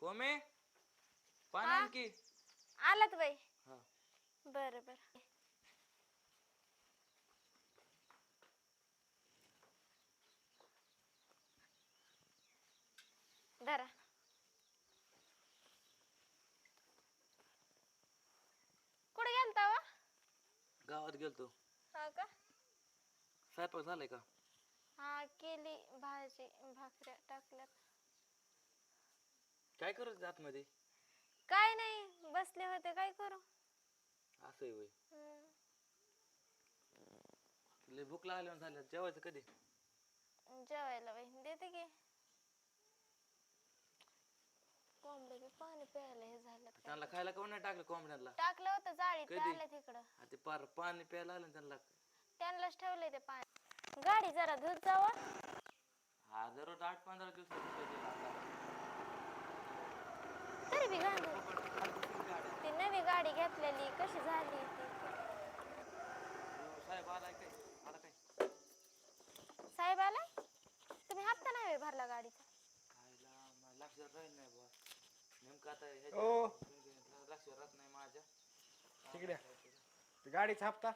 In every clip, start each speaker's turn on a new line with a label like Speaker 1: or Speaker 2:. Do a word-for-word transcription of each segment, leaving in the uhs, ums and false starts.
Speaker 1: कोमे पाणी
Speaker 2: हा?
Speaker 1: आण की.
Speaker 2: आलात बाई.
Speaker 1: हा
Speaker 2: बर बर. धरा. कुठे गेलता वा?
Speaker 1: गावात गेलतो.
Speaker 2: हा का?
Speaker 1: स्वयंपाक झालाय का?
Speaker 2: हा केली भाजी भाकऱ्या टाकल्यात.
Speaker 1: काय करत आतमध्ये?
Speaker 2: काय नाही बसले होते काय करू.
Speaker 1: असं होय.
Speaker 2: हम्म.
Speaker 1: लय भूक लागल्यावर झाल्या जेवायचं कधी?
Speaker 2: जेवायला बाई देते की. कोंबडे बी पाणी प्यायला हे झालं
Speaker 1: त्यांना
Speaker 2: काय.
Speaker 1: खायला कोण नाही टाकलं कोंबड्यांना?
Speaker 2: टाकलं होतं जाळीत ते
Speaker 1: कधी?
Speaker 2: आले तिकडं.
Speaker 1: हा ते पार पाणी प्यायला आलं ना त्यांना.
Speaker 2: त्यांनाच ठेवले ते पाणी. गाडी जरा धुत जावा.
Speaker 1: हा दररोज आठ पंधरा दिवसात धुतो आता.
Speaker 2: तरी बी घाण
Speaker 1: फुकट खात बसतील गाड्या.
Speaker 2: ती नवी गाडी घेतलेली कशी झाली ती.
Speaker 1: हो साहेब आलाय काय? आला काय?
Speaker 2: साहेब आलाय? तुम्ही हप्ता नाही भरला गाडीचा?
Speaker 1: खायला मला लक्षात राहील नाही बुवा. नेमकं आता
Speaker 3: ओ
Speaker 1: ह्याच्या लक्षात राहत नाही माझ्या.
Speaker 3: तिकडे गाडीचा हप्ता.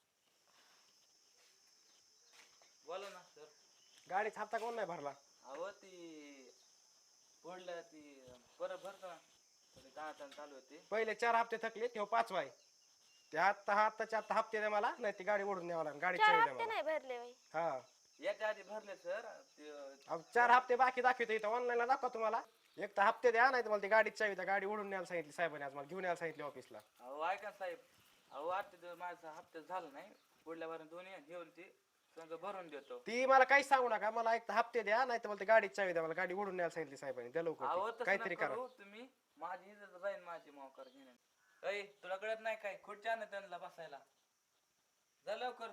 Speaker 1: बोला ना सर.
Speaker 3: गाडीचा हप्ता कोण नाही भरला?
Speaker 1: अहो ती पडलं ती परत भरतो ना. थोडी ताण चालू होती.
Speaker 3: पहिले चार हप्ते थकले तेव्हा पाचवा आहे. ते आत्ता हा आत्ताच्या आत्ता हप्ते द्या मला, नाही ती गाडी ओढून न्यावं लागेल. गाडी
Speaker 2: चार
Speaker 3: चावी द्या
Speaker 2: हप्ते
Speaker 3: मला.
Speaker 2: नाही भरले बाई.
Speaker 3: हा
Speaker 1: याच्या आधी भरले सर.
Speaker 3: अहो चार हप्ते बाकी दाखवतो इथं ऑनलाईनला दाखवा तुम्हाला. एक तर हप्ते द्या, नाही तर मला ती गाडीची चावी द्या. गाडी ओढून न्यायला सांगितली साहेबांनी आज मला घेऊन यायला सांगितली ऑफिसला.
Speaker 1: अहो ऐका साहेब. अहो आता माझा हप्ता झाला नाही. पुढल्या वारून दोन्ही घेऊन ती संघ भरून देतो.
Speaker 3: ती मला काहीच सांगू नका. मला एक तर हप्ते द्या, नाही तर मला ती गाडीची चावी द्या. मला गाडी ओढून न्यायला सांगितली साहेबांनी. द्या लवकर
Speaker 1: अहो
Speaker 3: ती.
Speaker 1: तसं
Speaker 3: काहीतरी
Speaker 1: नका
Speaker 3: करा.
Speaker 1: करू तुम्ही. माझी इज्जत राहील माझी मोकर घेणे. अय तुला कळत नाही काय? खुर्च्या ना त्यांना बसायला. जा लवकर.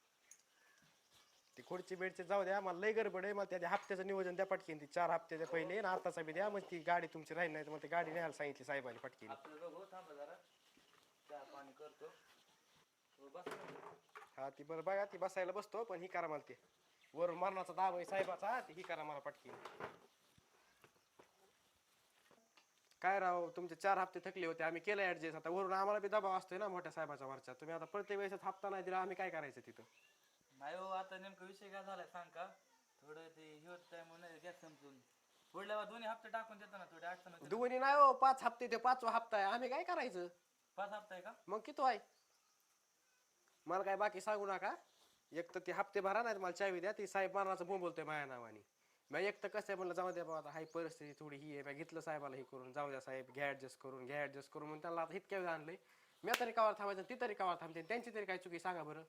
Speaker 3: ती खुर्ची बेडची जाऊ द्या. मला लय गडबड आहे. मला त्या हप्त्याचं नियोजन द्या पटकीन. ती चार हप्त्याच्या पहिले आणि आताचा बी द्या. मग ती गाडी तुमची राहील, नाही तर मला ती गाडी न्यायला सांगितली साहेबांनी पटकीन.
Speaker 1: आपलं बघू थांबा जरा. चहा पाणी करतो. हो बस.
Speaker 3: हा ती बरं बघा. ती बसायला बसतो पण ही करा मला ते वरून मरणाचा दाब आहे साहेबाचा. ती ही करा मला पटकीन. काय राव तुमचे चार हप्ते थकले होते. आम्ही केलं ऍडजस्ट. आता वरून आम्हाला बी दबाव असतोय ना मोठ्या साहेबाच्या वरच्या. तुम्ही आता प्रत्येक वेळेस हप्ता नाही दिला आम्ही काय करायचं तिथं?
Speaker 1: नाही हो आता नेमकं विषय काय झालाय सांग का? थोडं ते हे होत आहे म्हणून गॅस समजून पुढल्या दोन्ही हप्ते टाकून देतो ना. थोडे अडचण होते.
Speaker 3: दोन्ही नाही हो, पाच हप्ते ते पाचवा हप्ता आहे. आम्ही काय करायचं?
Speaker 1: पाच हप्ता आहे का?
Speaker 3: मग किती आहे? मला काय बाकी सांगू नका. एक तर ती हप्ते भरा, नाही मला चावी द्या. ती साहेब मारणाचं बोंब बोलतोय माझ्या नावाने. मग एक तर कसं आहे म्हणलं जाऊ द्या बाबा. आता हाय परिस्थिती थोडी ही आहे. मी घेतलं साहेबाला हे करून. जाऊ द्या साहेब घ्या ऍडजस्ट करून घ्या ऍडजस्ट करून म्हणून त्यांना आता इतक्या वेळ आणलंय. मी तरी कावर थांबायचं ती तरी कावर थांबते. त्यांची तरी काय चुकी सांगा बरं.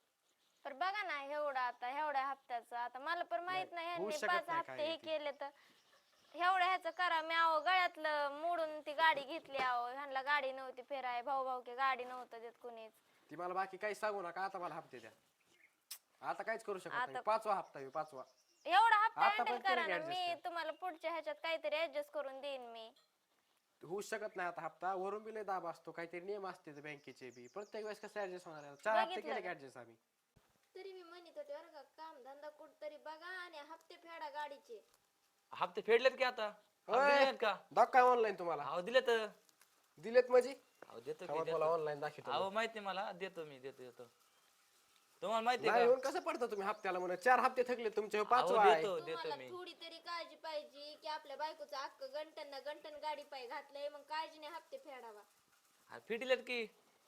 Speaker 2: पर बघा ना एवढा आता एवढ्या हप्त्याचं आता मला पण माहित नाही
Speaker 3: होऊ
Speaker 2: ह्यांनी
Speaker 3: शकत
Speaker 2: पाच
Speaker 3: नाही
Speaker 2: हप्ते
Speaker 3: काय
Speaker 2: हे
Speaker 3: ते.
Speaker 2: केले तर एवढ्या ह्याचं करा. मी आहो गळ्यातलं मोडून ती गाडी घेतली. आहो ह्यांना गाडी नव्हती फिराय. भाऊ भाऊ की गाडी नव्हतं देत कुणीच.
Speaker 3: ती मला बाकी काहीच सांगू नका. आता मला हप्ते द्या. आता काहीच करू शकत
Speaker 2: आता-
Speaker 3: नाही. पाचवा हप्ता आहे पाचवा.
Speaker 2: एवढा हप्ता
Speaker 3: आता
Speaker 2: हँडल
Speaker 3: पण
Speaker 2: करा
Speaker 3: केलं
Speaker 2: ना.
Speaker 3: की
Speaker 2: मी
Speaker 3: adjust.
Speaker 2: तुम्हाला पुढच्या ह्याच्यात काहीतरी ऍडजस्ट करून देईन मी.
Speaker 3: होऊ शकत नाही आता हप्ता. वरून बी लय दाब असतो. काहीतरी नियम असते बँकेचे बी. प्रत्येक वेळेस कसं ऍडजस्ट होणार आहे? चार हप्ते
Speaker 2: बघितलं
Speaker 3: केले की
Speaker 2: ना.
Speaker 3: ऍडजस्ट आम्ही.
Speaker 2: तरी मी म्हणत होते बरं का काम धंदा कुठतरी बघा आणि हप्ते फेडा गाडीचे.
Speaker 1: हप्ते फेडलेत की आता?
Speaker 3: होय.
Speaker 1: दिलेत का?
Speaker 3: दाखवा ऑनलाईन तुम्हाला.
Speaker 1: अहो दिले तर.
Speaker 3: दिलेत म्हणजे
Speaker 1: अहो देतो की
Speaker 3: थांबा
Speaker 1: देतो.
Speaker 3: तुम्हाला ऑनलाईन दाखवतो.
Speaker 1: अहो माहिती मला देतो मी देतो देतो. तुम्हाला माहिती
Speaker 3: नाही
Speaker 1: आहे
Speaker 3: येऊन कसं पडतं तुम्ही हप्त्याला म्हणून? चार हप्ते थकले तुमचे,
Speaker 1: का?
Speaker 3: पाचवा
Speaker 1: अहो
Speaker 3: आहे.
Speaker 1: देतो देतो
Speaker 2: तुम्हाला
Speaker 1: मी.
Speaker 2: थोडी तरी काळजी पाहिजे की आपल्या बायकोचं अख्ख गंटन ना गंटन गाडी पाय घातलंय. मग काळजीने हप्ते फेडावा.
Speaker 1: हा, फेडलेत की.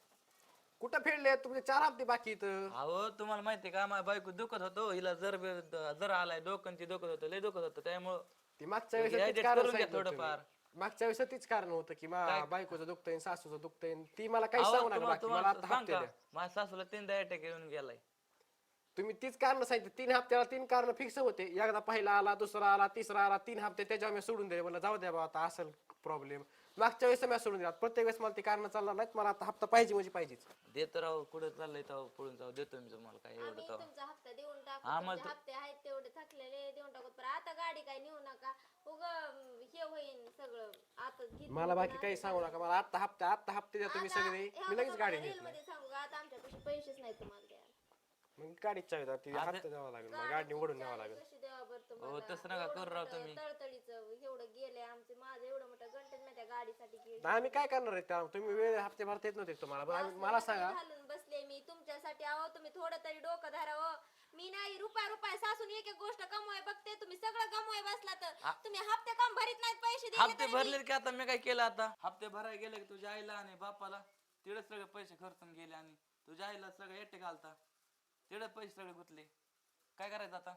Speaker 3: कुठं फेडले तुमचे? चार हप्ते बाकी इथं.
Speaker 1: अहो तुम्हाला माहिती आहे का माझ्या बायको दुखत होतो. हिला जर जर आलाय डोकं ती दुखत होतं लय दुखत होतं त्यामुळं
Speaker 3: ती मागच्या वेळेस तीच
Speaker 1: adjust
Speaker 3: कारण
Speaker 1: करून घ्या
Speaker 3: सांगितलं होतं
Speaker 1: थोडंफार.
Speaker 3: तुम्ही. मागच्या वेळेस तीच कारण होतं की मा
Speaker 1: काय?
Speaker 3: बायकोचं दुखतंय सासूचं दुखतंय. ती मला काही
Speaker 1: अहो
Speaker 3: सांगू नका
Speaker 1: तुम्हाला
Speaker 3: बाकी. मला
Speaker 1: तुम्हाला
Speaker 3: आता
Speaker 1: सांग
Speaker 3: हप्ते
Speaker 1: का
Speaker 3: द्या.
Speaker 1: माझ्या सासूला तीनदा अटॅक येऊन गेलाय.
Speaker 3: तुम्ही तीच कारण सांगितलं. तीन हप्त्याला तीन कारण फिक्स होते. एकदा पहिला आला, दुसरा आला, तिसरा आला. तीन हप्ते त्याच्यावर मी सोडून दिले. मला जाऊ द्या बाबा आता असेल प्रॉब्लेम. मागच्या वेळेस मी सोडून दिला. प्रत्येक वेळेस मला ती कारण चालणार नाहीत. मला आता हप्ता पाहिजे म्हणजे पाहिजेच.
Speaker 1: देतो राव कुठं चाललंय तेव्हा पळून जाऊ देतो मी तुम्हाला काय एवढं
Speaker 2: आम्ही
Speaker 1: तेव्हा.
Speaker 2: तुमचा हप्ता देऊन टाकू.
Speaker 1: हा, मग
Speaker 2: तुमचे हप्ते आहेत तेवढे थकलेले देऊन टाकू. पण आता गाडी काय नेऊ नका. उग हे होईन सगळं. आता घेतली
Speaker 3: मला बाकी
Speaker 2: ना.
Speaker 3: काही सांगू नका. मला आत्ता हप्ता आत्ता हप्ते द्या तुम्ही
Speaker 2: आता
Speaker 3: सगळे.
Speaker 2: ह्या
Speaker 3: मी लगेच
Speaker 2: बघा
Speaker 3: गाडी
Speaker 2: मला
Speaker 3: घेतली.
Speaker 2: रीलमध्ये सांगू का आता आमच्यापाशी पैसेच नाही तुम्हाला द्यायला.
Speaker 3: मग गाडीत चावी द्या, ती हप्ता द्यावा लागेल मग गाडी ओढून न्यावं लागेल.
Speaker 2: कशी द्यावा बरं
Speaker 1: हो
Speaker 2: तुम्हाला?
Speaker 1: तसं नका
Speaker 2: एवढं
Speaker 1: करू राव
Speaker 2: मोठं
Speaker 1: तुम्ही.
Speaker 2: तळतळीचं एवढं गेले आमचे, माझं एवढं मोठं गंटन मी त्या गाडीसाठी गेले.
Speaker 3: नाही, आम्ही काय करणार आहे त्या तुम्ही वेळ हप्ते भरता येत नव्हते का तुम्हाला? बरं आम्ही- मला सांगा
Speaker 2: घालून बसले मी तुमच्यासाठी. आहो तुम्ही थोडं तरी डोकं धरावं. मी नाही रुपया रुपया सासून एक एक गोष्ट कमवाय बघते, तुम्ही सगळं कमवाय बसला तर तुम्ही हप्ते काम भरीत नाहीत, पैसे दिले
Speaker 1: हप्ते
Speaker 2: तरी बी.
Speaker 1: भरले की आता मी काय केलं आता हप्ते भरायला गेले की तुझ्या आईला आणि बापाला तिकडे सगळे पैसे खर्चून गेले आणि तुझ्या आईला सगळे एकटे घालता तिकडे पैसे सगळे गुतले. काय करायचं आता?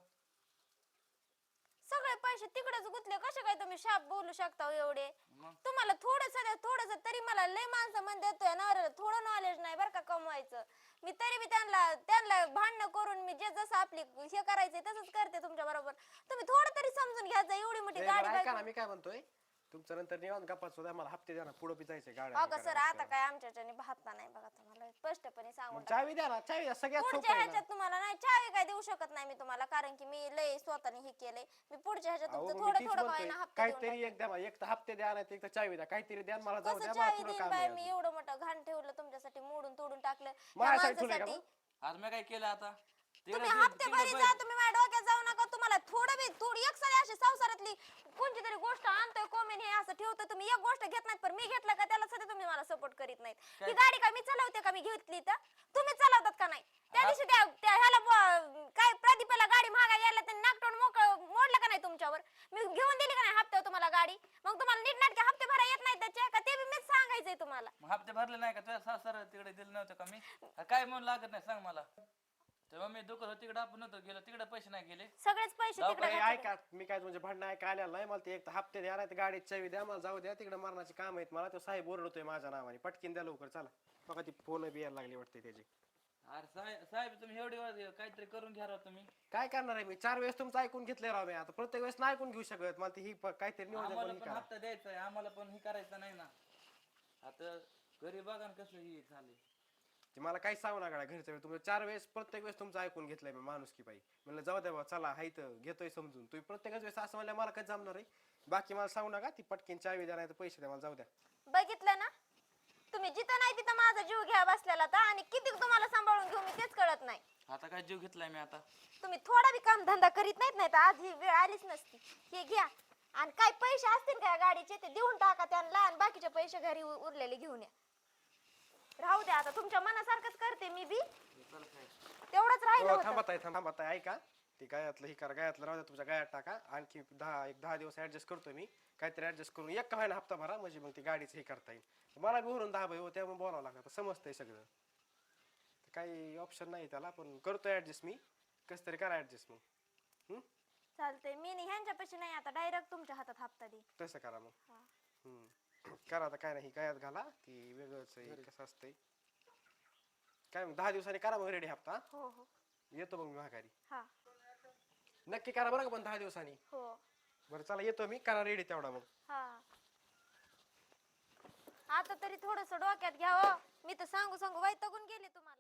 Speaker 2: सगळे पैसे तिकडेच गुतले. कसे काय तुम्ही शाप बोलू शकता हो एवढे?
Speaker 1: मग
Speaker 2: तुम्हाला थोडस थोडस तरी, मला लय माणसं म्हणते देतोय नवऱ्याला थोडं नॉलेज नाही बरं का कमवायचं. मी तरी बी त्यांना त्यांना भांडणं करून मी जे जसं आपली हे करायचंय तसंच करते तुमच्या बरोबर. तुम्ही थोडं तरी समजून घ्यायचं. एवढी मोठी
Speaker 3: ए,
Speaker 2: गाडी
Speaker 3: बरं ऐका ना,
Speaker 2: बायको-
Speaker 3: मी काय म्हणतोय तुमचं नंतर निवांत गप्पा सुद्धा मला हप्ते द्या ना, पुढे बी जायचंय गाड्या
Speaker 2: हो
Speaker 3: हे
Speaker 2: का सर,
Speaker 3: करायला.
Speaker 2: आता काय आमच्याच्याने भाता नाही बघा, तुम्हाला स्पष्टपणे सांगून
Speaker 3: मग चावी द्या ना, चावी द्या, सगळ्यात सोपं
Speaker 2: पुढच्या
Speaker 3: आहे ना.
Speaker 2: ह्याच्यात तुम्हाला नाही चावी काय देऊ शकत नाही मी तुम्हाला, कारण की मी लय स्वतःने हे केलंय. मी पुढच्या ह्याच्यात
Speaker 3: अहो,
Speaker 2: तुमचं
Speaker 3: मग मी
Speaker 2: थोडं
Speaker 3: तीच
Speaker 2: थोडं
Speaker 3: म्हणतोय,
Speaker 2: काय ना हप्ते देऊन
Speaker 3: काहीतरी एक द्या, एक तर हप्ते द्या नाही तर एक तर चावी द्या, काहीतरी द्या मला जाऊ
Speaker 2: कसं
Speaker 3: द्या, मला
Speaker 2: चावी
Speaker 3: पुढे
Speaker 2: देईन
Speaker 3: काम
Speaker 2: बाय
Speaker 3: आहे
Speaker 2: मी?
Speaker 3: अजून.
Speaker 2: एवढं मोठं घाण ठेवलं तुमच्यासाठी, मोडून तोडून टाकलं त्या
Speaker 3: माझ्यासाठी ठेवलंय का
Speaker 2: माणसासाठी.
Speaker 3: मग?
Speaker 1: आज मी काय केलं आता तिकडे
Speaker 2: तुम्ही
Speaker 1: ते-
Speaker 2: हप्ते
Speaker 1: तिकडे
Speaker 2: भरी
Speaker 1: पै-
Speaker 2: जा, तुम्ही माझ्या डोक्यात जाऊ नका. तुम्हाला थोडं बी थोडी एक सारी अशी संसारातली कोणती तरी गोष्ट आणतोय कोमेन हे असं ठेवतोय, तुम्ही एक गोष्ट घेत नाहीत, पण मी घेतलं का त्याला सध्या तुम्ही मला सपोर्ट करीत नाहीत.
Speaker 1: काय?
Speaker 2: ही गाडी का मी चालवते का? मी घेतली तर तुम्ही चालवतात का नाही? त्या दिवशी त्या त्या ह्याला ब- काय प्रदीपाला गाडी महागा यायला त्यांनी नागटोड मोकळ मोडलं का नाही तुमच्यावर? मी घेऊन दिली का नाही हप्त्यावर तुम्हाला गाडी? मग तुम्हाला नीटनाटके हप्ते भरा येत नाहीत त्याचे का? ते बी मीच सांगायचंय तुम्हाला.
Speaker 1: मग हप्ते भरले नाही का तुझ्या सासर तिकडे दिले नव्हते का मी? काय म्हणून लागत नाही सांग मला. तेव्हा मी दुकान होतं तिकडे आपण नव्हतं गेलो तिकडे पैसे नाही गेले.
Speaker 2: सगळेच पैसे
Speaker 1: जाऊ
Speaker 2: तिकडे
Speaker 3: ए,
Speaker 2: घातले.
Speaker 3: ऐका, मी काय म्हणजे भांडणं ऐका आलेलं नाही मला. ते एक तर हप्ते द्या नाही तर गाडीत चावी द्या, मला जाऊ द्या, तिकडे मरणाची काम आहेत मला. तो साहेब ओरडतोय माझ्या नावाने, पटकीन द्या लवकर चला. बघा ती फोन बी यायला लागली वाटते त्याची.
Speaker 1: अरे साहेब साहेब तुम्ही एवढी वेळ काहीतरी करून घ्या राव तुम्ही.
Speaker 3: काय करणार आहे मी? चार वेळेस तुमचं ऐकून घेतलंय राव मी, आता प्रत्येक वेळेस नाही ऐकून घेऊ शकत. मला ती ही प- काहीतरी नियोजन
Speaker 1: आम्हाला
Speaker 3: पण ही
Speaker 1: पण
Speaker 3: करा.
Speaker 1: हप्ता द्यायचा आहे आम्हाला पण हे करायचं नाही ना. आता घरी बघा ना कसं हे झाले.
Speaker 3: ते मला काही सांगू नका घरच्या वेळेस. तुम्ही चार वेळेस प्रत्येक वेळेस तुमचं ऐकून घेतलंय मी माणुसकी पाहिजे. म्हणलं जाऊ द्या बा, चला हाय तर घेतोय समजून. तुम्ही प्रत्येकच वेळेस असं म्हणलं मला काय जमणार आहे? बाकी मला सांगू नका, ती पटकीन चावी द्या नाही तर पैसे द्या, मला जाऊ द्या.
Speaker 2: बघितलं ना तुम्ही, जिथं नाही तिथं माझा जीव घ्या बसलेला तर, आणि किती तुम्हाला सांभाळून घेऊ मी तेच कळत नाही.
Speaker 1: आता काय जीव घेतलाय मी आता.
Speaker 2: तुम्ही थोडा बी काम धंदा करीत नाहीत, नाही तर आज ही वेळ आलीच नसती. हे घ्या आणि काय पैसे असतील का गाडीचे ते देऊन टाका त्यांना, आणि बाकीचे पैसे घरी उ- उरलेले घेऊन या. राहू द्या आता, तुमच्या मनासारखंच करते मी बी. तेवढंच राहिलं
Speaker 3: हो,
Speaker 2: होतं.
Speaker 3: थांबा ताई, थांबा ताई, ऐका. ते गायातलं ही करा, गायातलं राहू द्या, तुमच्या गायात टाका. आणखी दहा एक दहा दिवस ऍडजस्ट करतो मी, काहीतरी ऍडजस्ट करून एक का ना हप्ता भरा, म्हणजे मग ती गाडीचं हे करता येईल. मला बी भरून दहा भाई हो, त्यामुळे बोलावं लागतं, समजतंय सगळं. काही ऑप्शन नाही त्याला, पण करतो ऍडजस्ट मी. कसं तरी करा ऍडजस्ट मग. हम्म?
Speaker 2: चालतंय, मी नाही ह्यांच्यापाशी नाही, आता डायरेक्ट तुमच्या हातात हप्ता दे.
Speaker 3: तसं करा मग.
Speaker 2: हा.
Speaker 3: हम्म. करा आता, काय नाही गायात घाला, ती वेगळंच आहे, कसं असतंय काय. मग दहा दिवसांनी करा मग रेडी हप्ता.
Speaker 2: हो हो.
Speaker 3: येतो मग मी माघारी.
Speaker 2: हा.
Speaker 3: नक्की करा बरं का पण दहा दिवसांनी.
Speaker 2: हो.
Speaker 3: बरं चला येतो मी, करा रेडी तेवढा मग.
Speaker 2: हा. आता तरी थोडस डोक्यात घ्या हो. मी तर सांगू सांगू वैतागून गेले तुम्हाला.